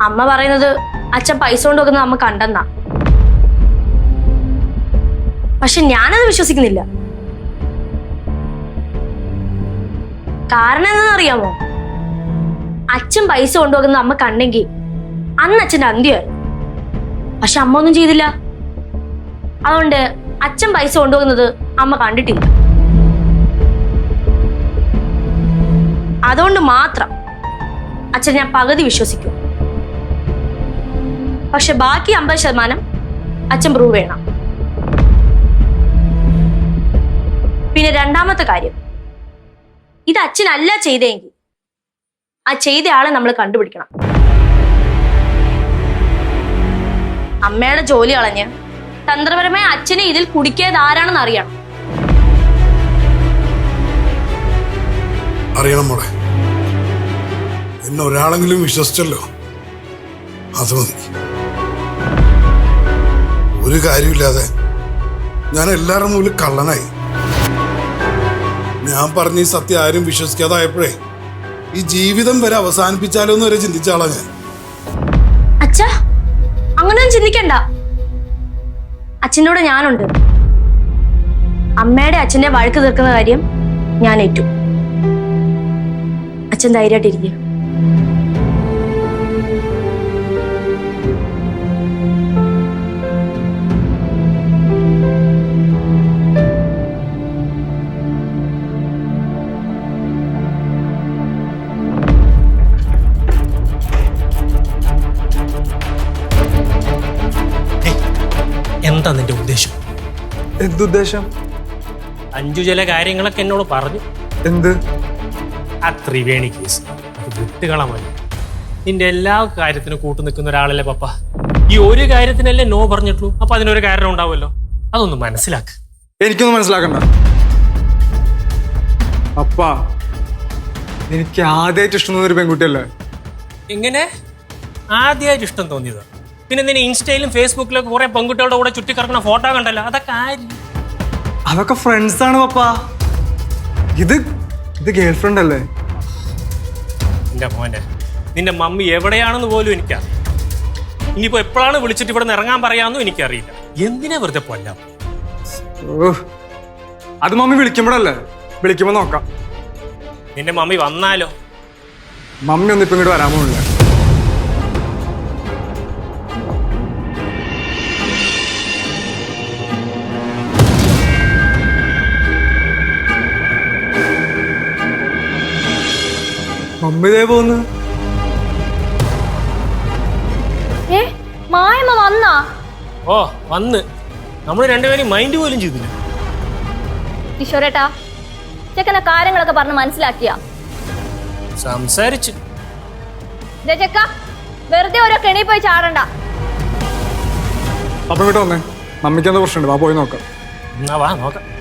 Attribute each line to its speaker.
Speaker 1: അമ്മ പറയുന്നത് അച്ഛൻ പൈസ കൊണ്ടുവെക്കുന്നത് അമ്മ കണ്ടെന്നാ. പക്ഷെ ഞാനത് വിശ്വസിക്കുന്നില്ല. കാരണം എന്താണെന്നറിയാമോ? അച്ഛൻ പൈസ കൊണ്ടുവെക്കുന്നത് അമ്മ കണ്ടെങ്കിൽ അന്ന് അച്ഛൻ്റെ അന്ത്യമായിരുന്നു. പക്ഷെ അമ്മ ഒന്നും ചെയ്തില്ല. അതുകൊണ്ട് അച്ഛൻ പൈസ കൊണ്ടുപോകുന്നത് അമ്മ കണ്ടിട്ടില്ല. അതുകൊണ്ട് മാത്രം അച്ഛൻ ഞാൻ പകുതി വിശ്വസിക്കും. പക്ഷെ ബാക്കി 50% അച്ഛൻ പ്രൂവ് ചെയ്യണം. പിന്നെ രണ്ടാമത്തെ കാര്യം, ഇത് അച്ഛനല്ല ചെയ്തെങ്കിൽ ആ ചെയ്ത ആളെ നമ്മൾ കണ്ടുപിടിക്കണം. അമ്മയുടെ ജോലി കളഞ്ഞ് തന്ത്രപരമായ അച്ഛനെ ഇതിൽ കുടിക്കിയത് ആരാണെന്ന് അറിയണം.
Speaker 2: അറിയണം മോളെ. എന്നെ ഒരാളെങ്കിലും വിശ്വസിച്ചല്ലോ, അത് മതി. ഒരു കാര്യമില്ലാതെ ഞാൻ എല്ലാവരുടെ മുമ്പിൽ കള്ളനായി. ഞാൻ പറഞ്ഞ ഈ സത്യം ആരും വിശ്വസിക്കാതായപ്പോഴേ ഈ ജീവിതം വരെ അവസാനിപ്പിച്ചാലോ എന്ന് വരെ ചിന്തിച്ച ആളാ ഞാൻ.
Speaker 1: അച്ഛാ, അങ്ങനെയൊന്നും ചിന്തിക്കണ്ട. അച്ഛൻ്റെ കൂടെ ഞാനുണ്ട്. അമ്മയുടെ അച്ഛന്റെ വഴക്ക് തീർക്കുന്ന കാര്യം ഞാൻ ഏറ്റു. അച്ഛൻ ധൈര്യമായിട്ടിരിക്കുക.
Speaker 3: എന്താ നിന്റെ ഉദ്ദേശം?
Speaker 4: എന്തുദ്ദേശം?
Speaker 3: അഞ്ചു ചില കാര്യങ്ങളൊക്കെ എന്നോട് പറഞ്ഞു.
Speaker 4: എന്ത്?
Speaker 3: ആ ത്രിവേണി കേസ് അത് വിട്ടുകളമായി. നിന്റെ എല്ലാ കാര്യത്തിനും കൂട്ടു നിൽക്കുന്ന ഒരാളല്ലേ പപ്പ. ഈ ഒരു കാര്യത്തിനല്ലേ നോ പറഞ്ഞിട്ടുള്ളൂ. അപ്പൊ അതിനൊരു കാരണം ഉണ്ടാവുമല്ലോ. അതൊന്ന് മനസ്സിലാക്ക്.
Speaker 4: എനിക്കൊന്നും മനസ്സിലാക്കണ്ട. അപ്പാ, എനിക്ക് ആദ്യമായിട്ട് ഇഷ്ടം തോന്നിയൊരു പെൺകുട്ടിയല്ലേ?
Speaker 3: എങ്ങനെ ആദ്യമായിട്ട് ഇഷ്ടം തോന്നിയത്? പിന്നെ നിന്നെ ഇൻസ്റ്റയിലും ഫേസ്ബുക്കിലൊക്കെ കുറെ പെൺകുട്ടികളുടെ കൂടെ ചുറ്റിക്കറക്കുന്ന ഫോട്ടോ കണ്ടല്ലോ, അതൊക്കെ ആര്?
Speaker 4: അതൊക്കെ ഫ്രണ്ട്സ് ആണ് പപ്പാ. ഇത് ഗേൾ ഫ്രണ്ട് അല്ലേ?
Speaker 3: എന്റെ മോനെ, നിന്റെ മമ്മി എവിടെയാണെന്ന് പോലും എനിക്കറിയാം. ഇനിയിപ്പോ എപ്പോഴാണ് വിളിച്ചിട്ട് ഇവിടെ നിന്ന് ഇറങ്ങാൻ പറയാമെന്നും എനിക്കറിയില്ല. എന്തിനാ വെറുതെ കൊല്ലാം?
Speaker 4: അത് മമ്മി വിളിക്കുമ്പോഴല്ലേ? വിളിക്കുമ്പോ നോക്കാം.
Speaker 3: നിന്റെ മമ്മി വന്നാലോ?
Speaker 4: മമ്മി ഒന്നും ഇപ്പൊ ഇങ്ങോട്ട് വരാൻ പോണില്ല. മമ്മി ഇതേ പോന്ന്.
Speaker 1: മായമ്മ വന്നാ?
Speaker 3: ഓ വന്ന്. നമ്മൾ രണ്ടുപേരും മൈൻഡ് പോലും ചെയ്തില്ല.
Speaker 5: ഈശ്വരേട്ടാ, ചെക്കനെ കാര്യങ്ങളൊക്കെ പറഞ്ഞ് മനസ്സിലാക്കിയ
Speaker 3: സംസാരിച്ചു.
Speaker 5: ചെക്ക വെറുതെ ഓരോ കെണി പോയി ചാടണ്ട.
Speaker 4: അപ്പൊ ഇങ്ങോട്ട് വന്നേ. മമ്മിക്ക് എന്താ പ്രശ്നമുണ്ട്? വാ പോയി നോക്കാം.
Speaker 3: എന്നാ വാ നോക്കാം.